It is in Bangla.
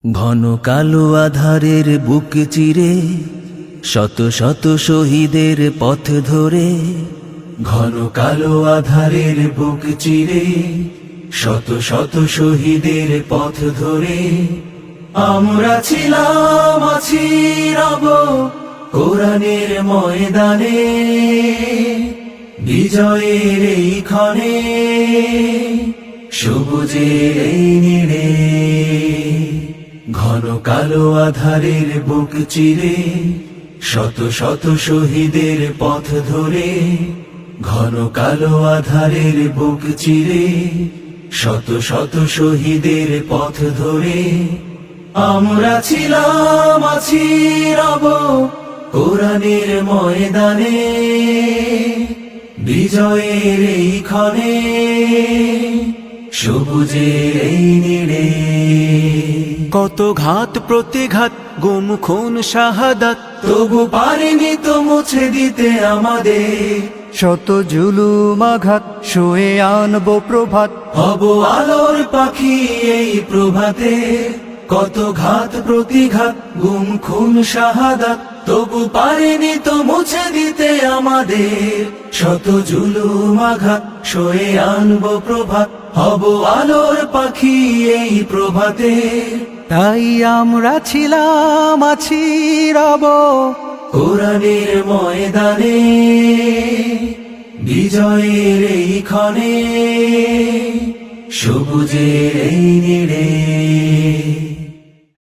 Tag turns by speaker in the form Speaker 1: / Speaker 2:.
Speaker 1: ঘন কালো আধারের বুক চিরে শত শত শহীদের পথ ধরে, ঘন কালো আধারের বুক চিরে শত শত শহীদের পথ ধরে আমরা ছিলাম, আছি, রব কোরআনের ময়দানে, বিজয়ের এই ক্ষণে, সবুজের এই নীড়ে। ঘন কালো আধারের বুক চিরে শত শত শহীদের পথ ধরে, ঘন কালো আধারের বুক চিরে শত শত শহীদের পথ ধরে আমরা ছিলাম, আছি, রব কোরআনের ময়দানে, বিজয়ের এই ক্ষণে, সবুজের এই নীড়ে।
Speaker 2: কত ঘাত প্রতিঘাত, গুম খুন শাহাদাত,
Speaker 1: তবু পারিনি তো মুছে দিতে আমাদের
Speaker 2: শত জুলুম আঘাত, শুয়ে আনবো প্রভাত,
Speaker 1: হব আলোর পাখি এই প্রভাতে। কত ঘাত প্রতিঘাত, গুম খুন শাহাদাত, তবু পারিনি তো মুছে দিতে আমাদের শত জুলুম আঘাত, শুয়ে আনবো প্রভাত, হব আলোর পাখি এই প্রভাতে।
Speaker 2: তাই আমরা ছিলাম, আছি, রব
Speaker 1: কোরআনের ময়দানে, বিজয়ের এই ক্ষণে, সবুজের এই নীড়ে।